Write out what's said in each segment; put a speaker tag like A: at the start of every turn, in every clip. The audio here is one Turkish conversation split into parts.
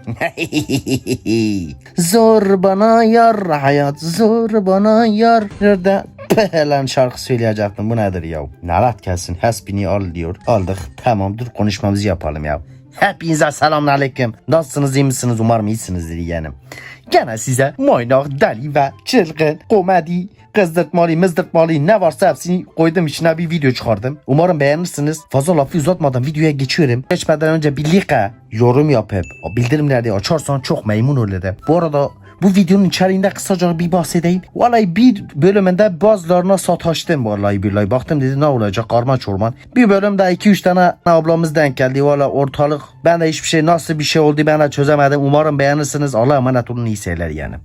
A: Zor bana yar hayat, zor bana yar. Nerede? Lan şarkı söyleyecektim, bu nedir ya? Nalat gelsin, hasbini al diyor. Aldık, tamam, dur konuşmamızı yapalım ya. Hepinize selamünaleyküm. Nasılsınız, iyi misiniz? Umarım iyisinizdir yeğenim. Gene size maynak, deli ve çılgın, komedi, kızdırtmalı, mızdırtmalı ne varsa hepsini koydum, içine bir video çıkardım. Umarım beğenirsiniz. Fazla lafı uzatmadan videoya geçiyorum. Geçmeden önce bir like, yorum yapıp bildirimleri açarsan çok memnun olurum. Bu arada bu videonun içeriğinde kısaca bir bahsedeyim. Vallahi bir bölümünde bazılarına sataştım vallahi billahi. Baktım dedi ne olacak, karma çorman. Bir bölümde 2-3 tane ablamız denk geldi. Vallahi ortalık, ben de hiçbir şey, nasıl bir şey oldu ben de çözemedim. Umarım beğenirsiniz. Allah'a emanet olun, iyi seyirler yani.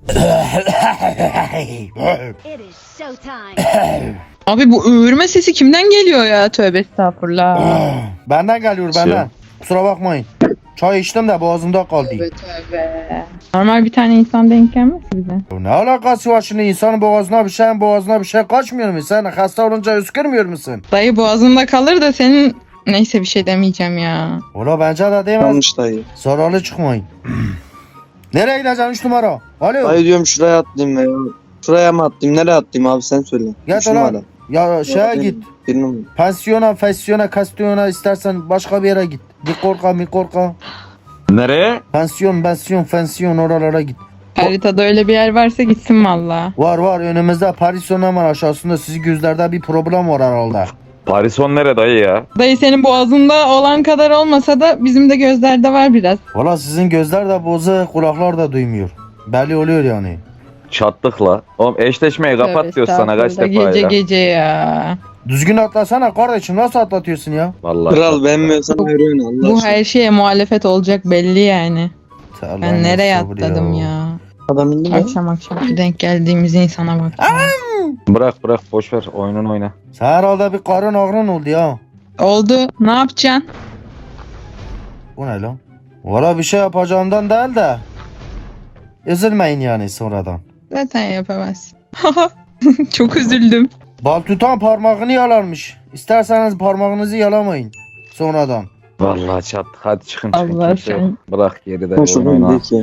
B: Abi bu öğürme sesi kimden geliyor ya? Tövbe estağfurullah.
A: Benden geliyor, benden. Kusura bakmayın. Çay içtim de boğazımda kaldı.
B: Tövbe tövbe. Normal bir tane insan denk gelmez bize.
A: Ne alakası var şimdi, insanın boğazına bir şey kaçmıyor mu? Sen hasta olunca öskürmüyor musun?
B: Dayı boğazında kalır da senin... Neyse bir şey demeyeceğim ya.
A: Ola bence de demez.
C: Yanlış dayı.
A: Zararlı çıkmayın. Nereye gideceksin 3 numara? Alo.
C: Dayı diyorum şuraya atlayayım ya. Şuraya mı atlayayım? Nereye atlayayım abi sen söyle.
A: Git
C: Üç
A: ulan.
C: numara.
A: Ya şeye git.
C: Bir numara.
A: Pansiyona, kastiyona, istersen başka bir yere git. Bir korka.
D: Nereye?
A: Pansiyon oralara git.
B: Haritada öyle bir yer varsa gitsin valla.
A: Var önümüzde Parisyon, hemen aşağısında sizin gözlerde bir problem var herhalde.
D: Parison nere dayı ya?
B: Dayı senin boğazında olan kadar olmasa da bizim de gözlerde var biraz.
A: Valla sizin gözler de bozuk, kulaklar da duymuyor. Belli oluyor yani.
D: Çattık la. Oğlum eşleşmeyi kapat
B: Tövbe
D: diyoruz sana kaç
B: estağfurullah,
D: defa
B: gece
D: ya.
B: gece ya.
A: Düzgün atlasana kardeşim, nasıl atlatıyorsun ya?
D: Vallahi.
C: Kral beğenmiyorsan yürüyün Allah
B: Bu
C: aşkına.
B: her şeye muhalefet olacak belli yani. Ben nereye atladım ya?
C: Adam indi mi?
B: Akşam şu denk geldiğimiz insana bak.
D: Bırak boş ver oyununu oyna.
A: Sen herhalde bir karın ağrın oldu ya.
B: Oldu. Ne yapacaksın?
A: Bu ne lan? Valla bir şey yapacağımdan değil de. Üzülmeyin yani sonradan.
B: Zaten yapamazsın. Çok üzüldüm.
A: Bal tutan parmağını yalarmış. İsterseniz parmağınızı yalamayın. Sonradan.
D: Vallahi çattık hadi çıkın.
B: Allah
D: Kimse yok.
B: sen-
D: Bırak geride
C: Ben şuradan
D: oyunu oyna.
C: değil ki.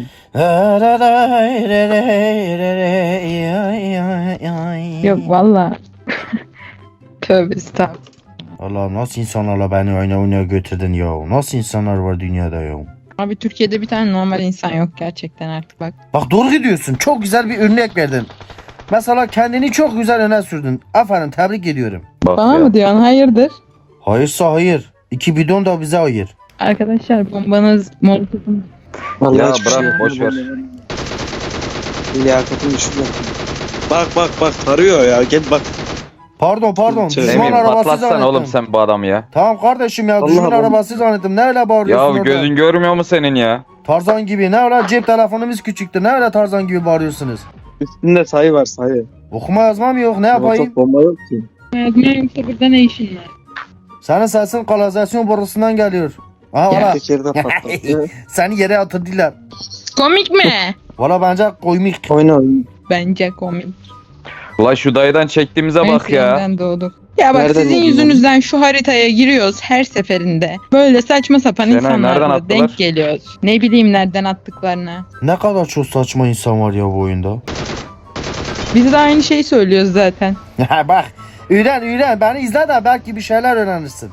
B: Yok valla. Tövbe estağfurullah.
A: Allah, nasıl insanlarla beni oynaya götürdün ya? Nasıl insanlar var dünyada ya?
B: Abi Türkiye'de bir tane normal insan yok gerçekten artık bak.
A: Bak doğru gidiyorsun. Çok güzel bir örnek verdin. Mesela kendini çok güzel öne sürdün. Aferin, tebrik ediyorum.
D: Bak
B: Bana
D: ya.
B: mı diyorsun? Hayırdır?
A: Hayırsa hayır. 2 bidon da bize hayır.
B: Arkadaşlar bombanız molotofun.
C: Vallahi
D: Ya
C: hiçbir şey
D: bırak, boş ver.
C: Liyakatın düşük yaptım. Bak tarıyor ya gel bak.
A: Pardon.
C: Söyle.
A: Düşman
D: Emin
A: arabası
D: patlatsana
A: zannettim.
D: oğlum sen bu adamı ya.
A: Tamam kardeşim ya,
C: Allah
A: düşman
C: Allah.
A: arabası zannettim. Ne öyle bağırıyorsun
D: Ya
A: orada?
D: gözün görmüyor mu senin ya?
A: Tarzan gibi. Ne öyle, cep telefonumuz küçüktü. Ne öyle Tarzan gibi bağırıyorsunuz?
C: Üstünde sayı var sayı.
A: Okuma yazmam yok. Ne yapayım?
C: Molotof bomba yok ki.
B: Yazmaya yoksa burada ne işin var?
A: Senin sesin kanalizasyon borusundan geliyor. Aha
B: Ya.
A: valla.
C: Tekerde patladı.
A: Seni yere atırdılar.
B: Komik mi?
A: Valla bence komik.
C: Oyna.
B: Bence komik.
D: La şu dayıdan çektiğimize
B: En
D: bak ya.
B: sevimden doğduk. Ya bak
C: Nereden
B: sizin
C: buldun
B: yüzünüzden şu haritaya giriyoruz her seferinde. Böyle saçma sapan
D: Şenay, nereden
B: insanlarla
D: attılar?
B: denk geliyoruz. Ne bileyim nereden attıklarını.
A: Ne kadar çok saçma insan var ya bu oyunda.
B: Biz de aynı şeyi söylüyoruz zaten.
A: Bak. Üren. Beni izle de belki bir şeyler öğrenirsin.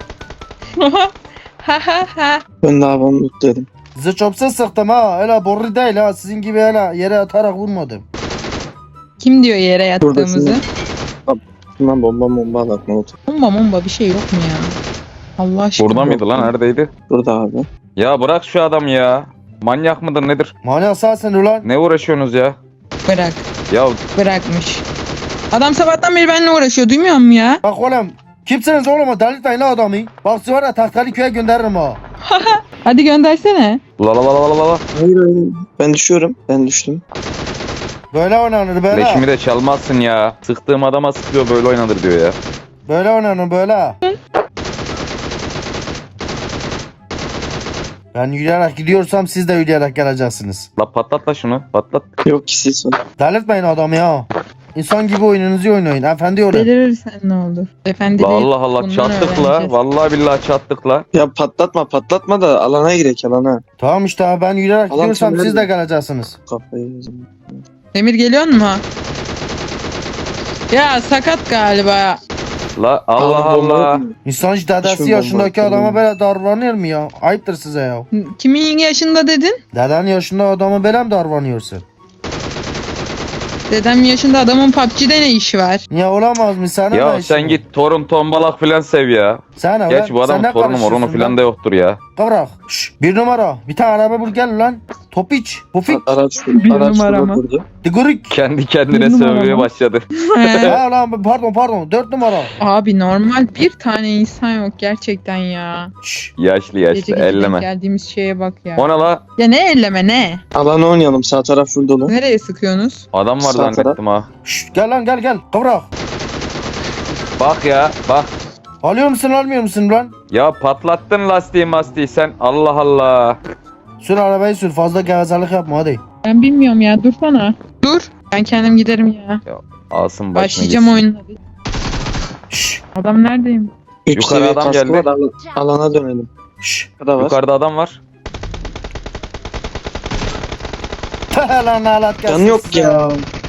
B: Ha ha ha.
C: Ben daha ben dedim.
A: Zıçopsuz sıktım ha. Öyle boru değil ha. Sizin gibi öyle yere atarak vurmadım.
B: Kim diyor yere yattığımızı?
C: Buradasın. Şundan bomba at molotof.
B: Bomba bir şey yok mu ya? Allah aşkına.
D: Burada mıydı lan, neredeydi?
C: Burada abi.
D: Ya bırak şu adam ya. Manyak mıdır nedir?
A: Manyak sensin ulan.
D: Ne uğraşıyorsunuz ya?
B: Bırak.
D: Ya
B: Bırakmış. Adam sabahtan beri benimle uğraşıyor. Duymuyor musun ya?
A: Bak oğlum. Kimsiniz oğlum? Delirtmeyin la adamı. Bak sizi var ya Tahtalı köye gönderirim ha.
B: Hadi göndersene.
D: la.
C: Hayır. Ben düşüyorum. Ben düştüm.
A: Böyle oynanır böyle.
D: Leşimi de çalmazsın ya. Sıktığım adama sıkıyor böyle oynanır diyor ya.
A: Böyle oynanır böyle. Ben yürüyerek gidiyorsam siz de yürüyerek geleceksiniz.
D: La patlat la şunu patlat.
C: Yok ki siz var.
A: Delirtmeyin adamı ya. İnsan gibi oyununuzu oynayın. Efendi olun.
B: Delirirsen ne olur? Efendi
D: La
B: değil.
D: Allah Allah
B: bundan
D: çattık la.
B: öğreneceğiz.
D: Vallahi billahi çattık la.
C: Ya patlatma da alana girek alana.
A: Tamam işte abi, ben yürüyerek
C: Alan
A: gidiyorsam
C: sen
A: siz de
C: nerede?
A: geleceksiniz.
C: Kafayı yiyeceğim.
B: Demir geliyor mu? Ya sakat galiba.
D: La Allah
C: Alın bomba
D: Allah.
C: yok mu?
A: İnsan hiç dedesi
C: Hiçbir
A: yaşındaki
C: bomba
A: adama
C: yok.
A: böyle davranır mı ya? Ayıptır size ya.
B: Kimin yaşında dedin?
A: Deden yaşında adamı böyle mi davranıyorsun?
B: Dedem yaşında adamın PUBG'de ne işi var?
A: Niye olamaz mı? Sana
D: Ya
A: ne işin
D: sen
A: var?
D: git torun tombalak filan sev ya.
A: Sana
D: Geç bu adamın torunu morunu filan da yoktur ya.
A: Kıvrak. Şşş, bir numara. Bir tane araba bul gel lan. Topiç. Pufik.
C: Araç
B: Bir
C: araç
B: numara
C: şurada
B: mı?
C: durdu.
A: Digurik.
D: Kendi kendine
B: Bir numara
D: sövmeye
B: mı?
D: başladı.
B: He.
A: Ha lan pardon. 4 numara.
B: Abi normal bir tane insan yok gerçekten ya.
A: Şşş.
D: Yaşlı
B: Gece
D: yaşlı
B: gece denk
D: elleme.
B: geldiğimiz şeye bak ya.
D: Ona la
B: Ya ne elleme ne?
C: Alana oynayalım, sağ taraf full dolu.
B: Nereye sıkıyorsunuz?
D: adam var
C: Sağ taraf.
D: zannettim ha.
A: Şşş, gel lan gel. Kıvrak.
D: Bak ya bak.
A: Alıyor musun almıyor musun lan?
D: Ya patlattın lastiği sen. Allah Allah.
A: Sür arabayı sür, fazla gevezelik yapma hadi.
B: Ben bilmiyorum ya dursana. Dur. Ben kendim giderim ya.
D: Alsın başına
B: Başlayacağım
D: gitsin.
B: oyununa.
A: Şşş.
B: Adam neredeyim?
C: 3
D: Yukarı
C: seviye
D: adam
C: kaskı
D: geldi.
C: var, alana dönelim.
A: Şşş.
C: Burada var.
D: Yukarıda adam var.
A: Lan alat gelsin.
C: Canı yok
A: size.
C: ya.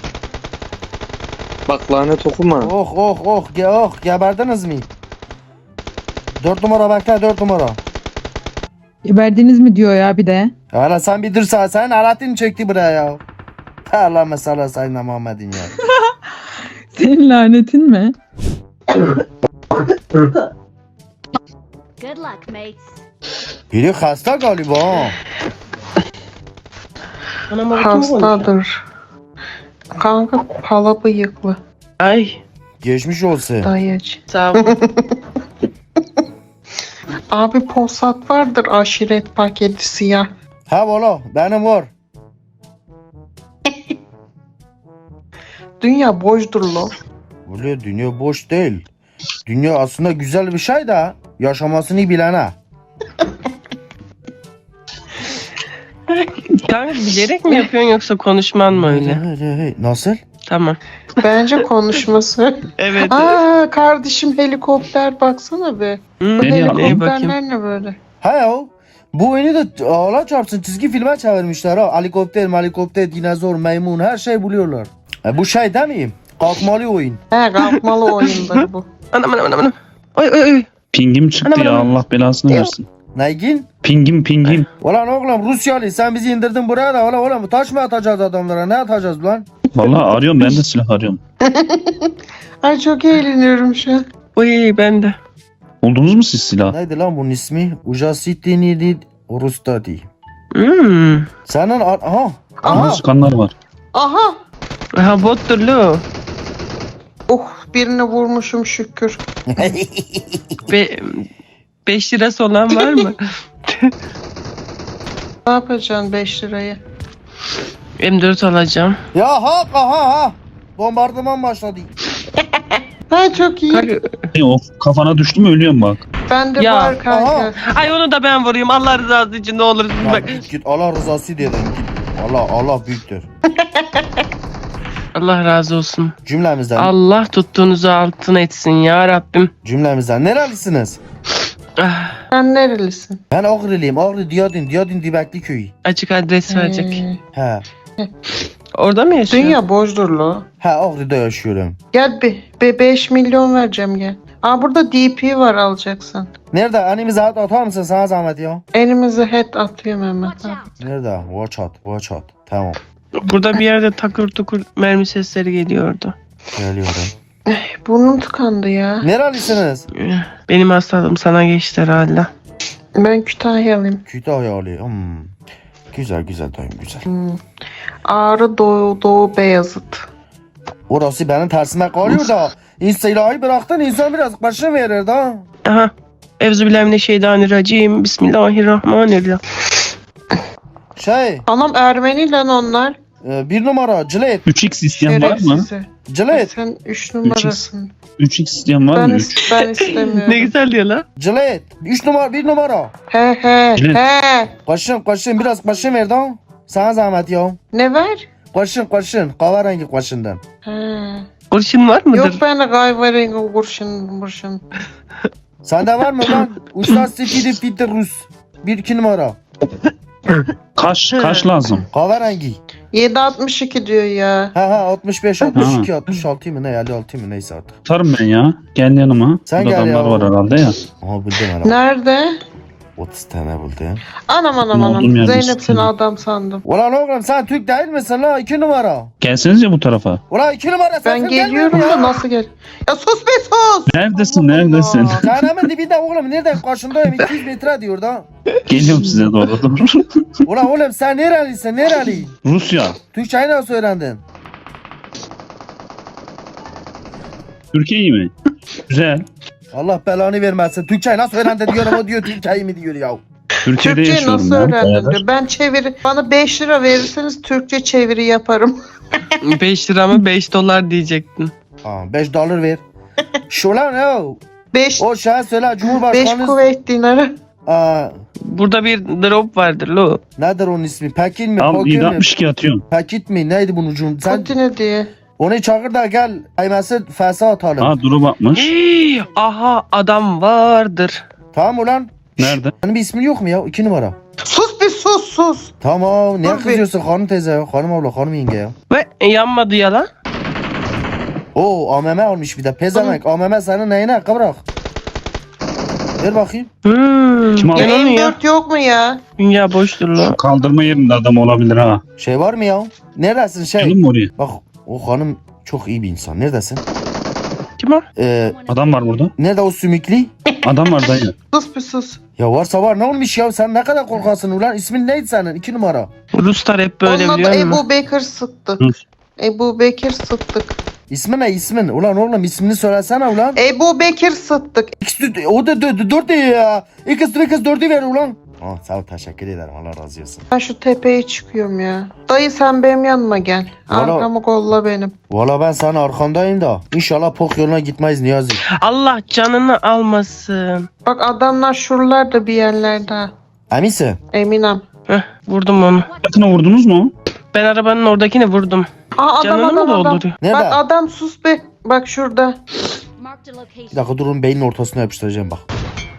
C: Bak lanet okuma.
A: Oh geberdiniz mi? 4 numara bekle 4 numara.
B: Geberdiniz mi diyor ya bir de.
A: Hala sen bir dursa, sen Alaaddin çekti buraya ya. Allah mesela sayın Muhammed'in ya.
B: Senin lanetin mi?
E: Good luck, mates.
A: Biri hasta galiba ha.
F: Hastadır. Kanka pala bıyıklı.
G: Ay
A: Geçmiş olsun.
F: Dayıcı.
G: sağ ol.
F: Abi Polsat vardır aşiret paketi siyah.
A: Ha valla benim var.
F: Dünya boşdur lo.
A: Böyle dünya boş değil. Dünya aslında güzel bir şey de yaşamasını bilene.
G: Kanka bilerek mi yapıyorsun yoksa konuşman mı öyle?
A: Nasıl?
G: Tamam.
F: Bence konuşması.
G: Evet.
F: Aa kardeşim helikopter baksana be.
G: Hmm,
F: Bu
G: neye bakayım?
F: helikopterler ne böyle?
A: Ha ya. Bu oyunu da Allah çarpsın çizgi filme çevirmişler ha. Helikopter, dinozor, maymun her şey buluyorlar. Bu şey değil mi? Kalkmalı oyun.
F: He kalkmalı oyunları bu.
G: Anam. Oy.
H: Pingim çıktı
G: Anam,
H: ya,
G: anam.
H: Allah belasını versin.
A: Neygin?
H: Pingim.
A: Ulan oğlum Rusyalı sen bizi indirdin buraya da oğlum taş mı atacağız adamlara, ne atacağız lan?
H: Vallahi arıyorum, ben de silah arıyorum.
F: Ay çok eğleniyorum şu an.
G: Oy ben de.
H: Buldunuz mu siz silah?
A: Neydi lan bunun ismi? Ujasitini Rustadi.
G: Hmm.
A: Senin aha.
H: Aha. Sıkanlar var.
F: Aha.
G: Ha bottur lo.
F: Oh birini vurmuşum şükür.
G: 5 lirası olan var mı?
F: Ne yapacaksın 5 lirayı?
G: M4 alacağım.
A: Ya ha. Bombardıman başladı.
F: Ha çok iyi.
G: Kanka,
H: O kafana düştü mü ölüyorum bak.
F: Ben de
G: Ya.
F: var kanka.
A: Aha.
G: ay onu da ben vurayım. Allah rızası için ne olur.
A: Ya
G: Bak.
A: git Allah rızası dedim git. Allah büyüktür.
G: Allah razı olsun.
A: Cümlemizden.
G: Allah tuttuğunuzu altın etsin ya Rabbim.
A: Cümlemizden. Nerelisiniz?
G: Ah,
F: Sen nerelisin?
A: Ben Ağrılıyım. Ağrı Diyadin Dibekli köyü.
G: açık adres verecek.
A: He.
G: Orada mı yaşıyor?
F: Dünya boşdur lo.
A: He Ağrı'da yaşıyorum.
F: Gel bir 5 milyon vereceğim gel. Aa burada DP var alacaksın.
A: Nerede? Annemize atar mısın sana zahmet ya?
F: Elimize head atıyor Mehmet
E: Watch
F: abi.
E: out.
A: Nerede? Watch out. Tamam.
G: Burada bir yerde takır tukur mermi sesleri geliyordu.
A: Geliyorum.
F: Burnum tıkandı ya.
A: Nerelisiniz?
G: Benim hastalığım sana geçti herhalde.
F: Ben Kütahyalıyım.
A: Kütahyalı. Güzel dayım güzel.
F: Ağrı Doğu Beyazıt.
A: Orası benim tersime kalıyor da. İnstilahı bıraktın insan biraz başını verir da.
G: Aha. Evzubillahimineşşeytanirracim. Bismillahirrahmanirrahim.
A: Şey,
F: Anam Ermeni lan onlar.
A: 1 numara Cilet.
H: 3x isteyen var mı?
F: Şerefsizi.
A: Cilet.
F: Sen 3 numarasın.
H: 3x isteyen var
F: Ben,
H: mı? 3.
F: ben istemiyorum.
G: Ne güzel diyor lan.
A: Cilet. 1 numara.
F: He.
H: Cilet.
F: He.
A: Kaşın biraz kaşın ver da. Sana zahmet ya.
F: Ne ver?
A: Koşun. Kahverengi koşundan.
F: He.
G: Kurşun var mıdır?
F: Yok bende kahverengi kurşun.
A: Sende var mı lan? Usta Stevie Peter Rus. 1-2 numara.
H: Kaş lazım.
A: Kahverengi.
F: 7.62 diyor ya.
A: Ha 65, 62, 66 mı ne? 56 mı neyse artık.
H: Atarım ben ya. Gel yanıma.
A: Sen
H: Burada
A: gel ya.
H: adamlar var herhalde ya.
A: Aha buldum herhalde.
F: Nerede?
A: 30 tane buldum.
F: Anam.
H: Olduğum yerde
F: Zeynep seni
H: istiyorum.
F: adam sandım.
A: Ulan oğlum sen Türk değil misin la? 2 numara.
H: Gelsenize bu tarafa.
A: Ulan 2 numara sen
F: Ben geliyorum da nasıl gel? Ya sus be sus!
H: Neredesin? Neredesin?
A: Cehennemin dibinde oğlum nereden karşındayım 200 metre diyor da.
H: Geliyorum size doğru.
A: Ulan oğlum sen nerelisin nereli?
H: Rusya.
A: Türkçeyi nasıl öğrendin?
H: Türkiye mi? Güzel.
A: Allah belanı vermesin. Türkçeyi nasıl öğrendin diyorum o diyor Türkçeyi mi diyor ya.
H: Türkiye'de
F: Türkçe
H: yaşıyorum
F: nasıl
H: ben.
F: öğrendin
H: bayağıdır.
F: diyor. Ben çeviri, bana 5 lira verirseniz Türkçe çeviri yaparım.
G: 5 lira mı 5 dolar diyecektin.
A: Ha 5 dolar ver. Şu lan o.
F: 5
A: O şeye söyle
F: 5
A: Cumhurbaşkanı.
F: kuvvet dinarı.
A: Aa,
G: Burada bir drop vardır lo.
A: nedir onun ismi? Pekin mi?
H: Al
A: Pokin mi?
H: 762 atıyorum.
A: Pekit mi? Neydi bunun ucun? Sen
F: Putin'e diye.
A: onu çağır da gel. Kaymesi fesa atalım.
H: Ha duru bakmış.
G: Hii, aha adam vardır.
A: Tamam ulan.
H: Nerede?
A: Senin bir ismin yok mu ya? 2 numara.
F: Sus bir sus.
A: Tamam. Niye
F: Dur bir.
A: kızıyorsun hanım teyze ya? Hanım abla, hanım yenge ya.
G: Ve yanmadı ya lan.
A: Oo AMM almış bir de. Pezemek. AMM senin neyine? Kıvrak. Ver bakayım.
H: Kim aldı?
F: Ya
G: Yalan ya.
F: M4 yok mu ya?
G: Dünya boştur lo.
H: Şu kaldırma yerinde adam olabilir ha.
A: Şey var mı ya? Neredesin şey?
H: Gelin mi oraya?
A: Bak o hanım çok iyi bir insan. Neredesin?
G: Kim o?
H: Adam var burada.
A: Nerede o sümüklü?
H: Adam var dayı.
F: Sus bir sus.
A: Ya varsa var ne olmuş ya? Sen ne kadar korkarsın ulan? İsmin neydi senin? 2 numara.
G: Ruslar hep böyle
F: Onun adı
G: biliyor musun?
F: Ebu Bekir Sıddık.
H: Hı.
F: Ebu Bekir Sıddık.
A: İsmin ne ismin? Ulan oğlum ismini söylesene ulan.
F: Ebu Bekir Sıddık.
A: O da 4 diyor ya. İkisi 4'ü ver ulan. Oh, sağ ol teşekkür ederim. Allah razı olsun.
F: Ben şu tepeye çıkıyorum ya. Dayı sen benim yanıma gel.
A: Valla-
F: Arkamı kolla benim.
A: Valla ben senin arkandayım da. İnşallah pok yoluna gitmeyiz Niyazi.
G: Allah canını almasın.
F: Bak adamlar şuralarda bir yerlerde.
A: Eminsin?
F: Eminem.
G: Heh, vurdum onu.
H: Yakına vurdunuz mu?
G: Ben arabanın oradakini vurdum.
F: Aa
G: Canını mı
F: adam.
G: dolduruyor?
A: Nerede?
F: Bak adam sus be. Bak şurada.
E: Marked a location.
A: Bir dakika durun beynin ortasına yapıştıracağım bak.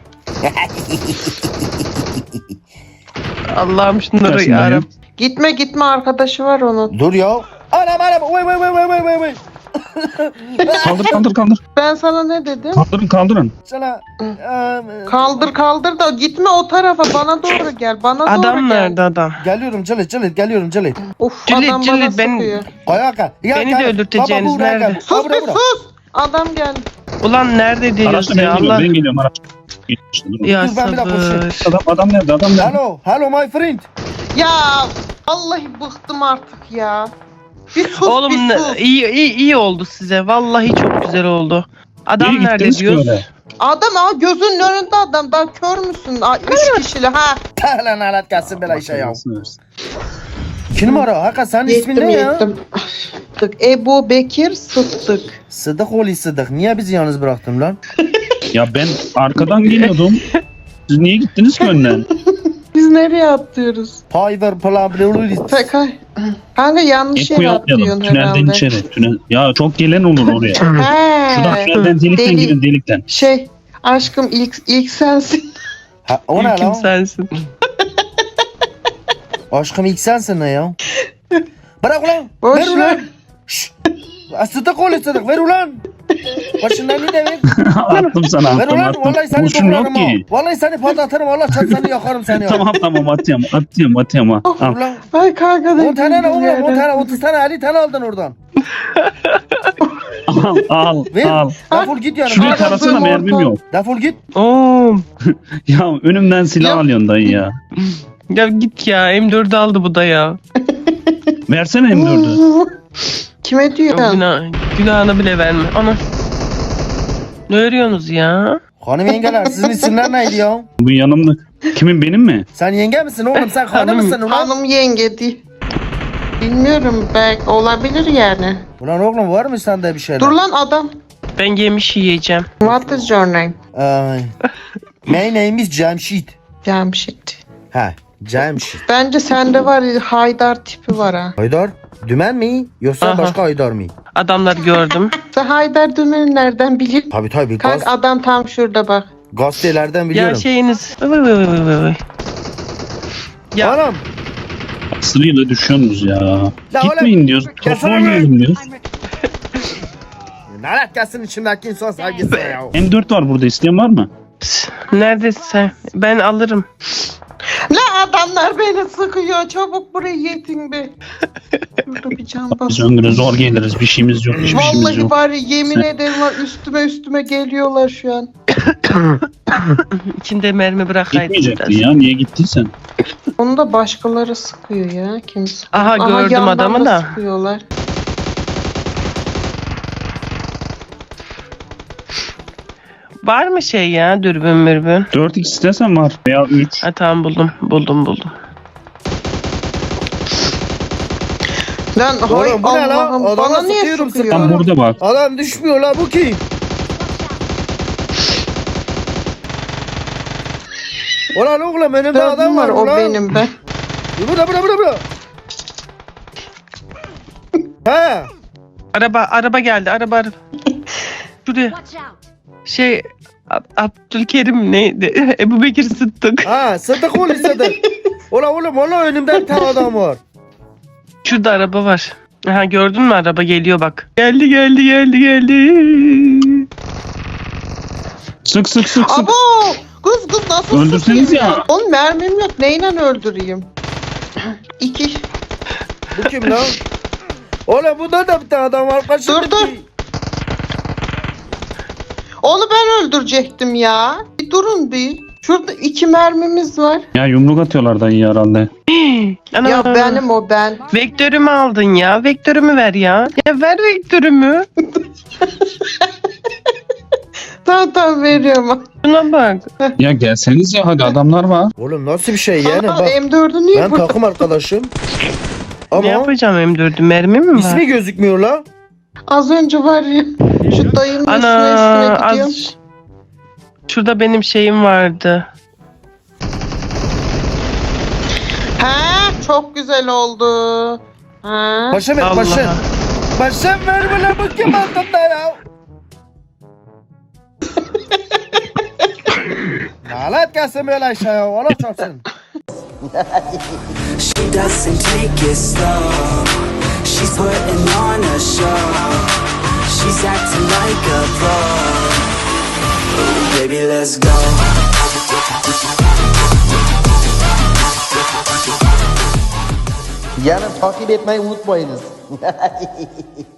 G: Allah'ım şunları
H: Gelsin
G: yarabbim.
F: Gitme arkadaşı var onun.
A: Dur ya. Anam. Vay.
H: Kaldır.
F: Ben sana ne dedim?
H: Kaldırın.
A: Sana.
F: Kaldır da gitme o tarafa bana doğru gel. Bana doğru
G: Adam
F: gel.
G: nerede adam?
A: Geliyorum Cılit.
F: Uf
G: Cüllet,
F: adam bana
G: Cüllet, ben-
F: sıkıyor.
A: Kayaka.
G: Beni de öldürteceğiniz
A: Baba buraya
G: nerede?
A: gel.
F: Sus
A: Baba
F: bir
A: buraya.
F: sus. Adam geldi.
G: Ulan nerede diyoruz
H: Araçla
G: ya
H: ben
G: Allah.
H: geliyorum. Araç. İşte, durun.
G: Ya
A: Dur, ben bir dakika
G: sabır.
H: Adam nerede?
A: Hello my friend.
F: Ya vallahi bıktım artık ya. Bir sus
G: Oğlum
F: bir sus.
G: iyi oldu size. Vallahi çok güzel oldu. Adam
H: Nereye
G: nerede
H: gittiniz ki
G: diyoruz?
H: öyle?
F: Adam gözünün önünde adam. Daha kör müsün? 3 kişili ha.
A: Lan alet gelsin bela işe ya.
H: Belasını versin.
A: 2 numara. Hakikat senin ismin ne ya?
F: Sıddık. Ebu Bekir Sıddık.
A: Sıddık oğlu Sıddık. Niye bizi yalnız bıraktın lan?
H: Ya ben arkadan geliyordum. Siz niye gittiniz ki önden?
F: Biz nereye atlıyoruz?
A: Piver Plablulis.
F: Pekay. Kanka yanlış yere
H: Eko'yu atlayalım.
F: atlıyorsun
H: Tünelden
F: herhalde.
H: içeri. Ya çok gelen olur oraya. Şuradan
F: He.
H: tünelden delikten
F: Deli-
H: girin delikten.
F: Aşkım ilk sensin.
A: Ha, o ne
G: Kim
A: lan?
G: sensin?
A: Aşkım ilk sensin ne ya? Bırak ulan.
F: Boş
A: Ver ulan.
F: ver.
A: Şşş. Sıddık oğlu Sıddık. Ver ulan. Başından ne de ver.
H: Attım sana
A: Ver ulan.
H: attım.
A: Vallahi seni
H: Kurşun yok
A: doğrarım ha.
H: ki.
A: Vallahi seni patlatırım. Allah çarpsın seni yakarım seni ya.
H: Tamam atıyorum ha. Al.
A: Ulan.
F: Ay kanka
A: 10 tane ne oğlum? 10
F: yere.
A: tane 30 tane 50 tane aldın oradan.
H: Al.
A: Ver. Defol git yani.
H: Şurayı
F: Al.
H: tarasana mermim yok.
A: Defol git.
G: Oo.
H: Ya önümden silah
F: Ya.
H: alıyorsun dayı ya.
G: Ya git ya. M4'ü aldı bu da ya.
H: Versene M4'ü.
F: Kime diyorsun?
G: Günahını bile verme. Ana. Ne örüyorsunuz ya?
A: Hanım yengeler sizin isimler neydi ya?
H: Bu yanımda. Kimin benim mi?
A: Sen yenge misin oğlum? Sen hanım
G: Hanım.
A: mısın ulan?
F: Hanım yenge değil. Bilmiyorum belki olabilir yani.
A: Ulan oğlum var mı sende bir şeyler?
F: Dur lan adam.
G: Ben yemiş yiyeceğim.
F: What is your name?
A: Ay. My name is Cemşit.
F: Cemşit.
A: Ha, Cemşit.
F: Bence sende var ya, Haydar tipi var ha.
A: Haydar. Dümen mi yoksa
G: Aha.
A: başka Haydar mı?
G: Adamları gördüm.
F: Sen Haydar Dümen'i nereden biliyorsun?
A: Tabii
F: Kanka adam tam şurada bak.
A: gazetelerden
G: Ya
A: biliyorum.
G: şeyiniz. Vay vay vay vay vay. Ya
A: Anam.
H: Sırayla düşüyorsunuz ya.
A: La
H: Gitmeyin diyoruz. Topu
A: Gelsene
H: oynayalım diyoruz.
A: Nalet gelsin içimdeki insan sevgisi ya.
H: M4 var burada, isteyen var mı?
G: neredesin sen? Ben alırım.
F: La adamlar beni sıkıyor. Çabuk buraya yetin be. Burada bir can
H: Biz
F: bas.
H: öngöre zor geliriz. Bir şeyimiz yok. Hiçbir şeyimiz
F: Vallahi
H: yok.
F: bari yemin ederim var üstüme geliyorlar şu an.
G: İçinde mermi bırakaydın
H: Gitmeyecektin
G: biraz.
H: ya. Niye gittiysen?
F: Onu da başkaları sıkıyor ya. Kimse.
G: Aha gördüm
F: yandan
G: adamı da.
F: sıkıyorlar.
G: Var mı şey ya dürbün mürbün?
H: 4x istesen var. Veya 3.
G: Ha tamam buldum.
F: Lan hay
A: Oğlum bu ne lan?
F: Allah'ım
A: Adama
F: bana niye
A: sıkıyorum,
F: sıkıyor?
H: Tam burada bak.
A: Adam düşmüyor la bu kim? Ulan oğlum önümde adam
F: Dördüm
A: var
F: var o
A: ulan.
F: benim ben.
A: Burada. He.
G: Araba geldi araba. Şuraya. Şey Abdülkerim neydi? Ebu Bekir Sıddık.
A: Ha Sıddık oğlu Sıddık. Ulan oğlum önümde bir tane adam var.
G: Şurada araba var. Aha gördün mü araba geliyor bak. Geldi.
H: Sık.
F: Abo! Kız nasıl
H: Öldürseniz
F: sıkayım
H: ya.
F: Oğlum mermim yok. Neyle öldüreyim? İki.
A: Bu kim lan? Oğlum bunda da bir tane adam var.
F: Dur. Onu ben öldürecektim ya. Bir durun bir. Şurada 2 mermimiz var.
H: Ya yumruk atıyorlar dayı herhalde.
G: Ana.
F: Ya benim o ben.
G: Vektörümü aldın ya. Vektörümü ver ya. Ya ver vektörümü.
F: Tamam veriyorum.
G: Şuna bak.
H: Ya gelseniz ya, hadi adamlar var.
A: Oğlum nasıl bir şey yani
F: Aa,
A: bak.
F: M4'ü niye
A: Ben
F: burada?
A: takım arkadaşım.
G: Ne
A: Ama
G: yapacağım M4'ü? Mermi mi var?
A: ismi gözükmüyor la.
F: Az önce var ya. Şu dayının üstüne
G: Ana
F: gidiyorum.
G: az. Şurada benim şeyim vardı.
F: Ha, çok güzel oldu. Ha.
A: Paşam et
G: Allah.
A: paşam. Paşam ver bana bu kim altında ya. Nalet gelsin böyle aşağıya. Allah çarpsın.
E: She doesn't take it slow. She's putting on a show. She's acting like a pro. Ooh, baby, let's go.
A: Yarın takip etmeyi unutmayınız.